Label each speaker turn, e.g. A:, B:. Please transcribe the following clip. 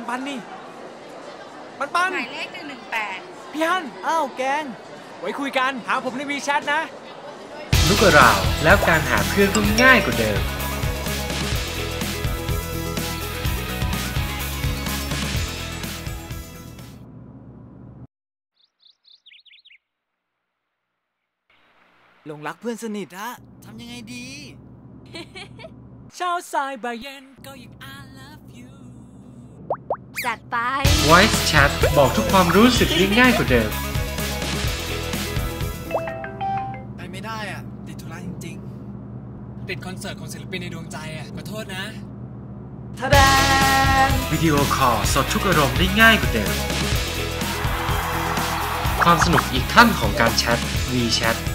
A: ปันนี่ปัน
B: หมายเลข118
A: พี่ฮั่น
C: อ้าวแกง
A: ไว้คุยกันหาผมในวีแชทนะ
D: ลูกกระราวแล้วการหาเพื่อนก็ง่ายกว่าเดิม
C: หลงรักเพื่อนสนิทฮะทำยังไงดี
A: เช้าสายบ่ายเย็นก็ยัง I love you
B: จัดไป
D: Voice Chat บอกทุกความรู้สึกได้ง่ายกว่าเดิม
C: ไปไม่ได้อ่ะติดธุระจริง
A: ๆติดคอนเสิร์ตของศิลปินในดวงใจอ่ะขอโทษนะ
C: ทะแดง
D: วิดีโอคอลสดทุกอารมณ์ได้ง่ายกว่าเดิมความสนุกอีกขั้นของการแชท WeChat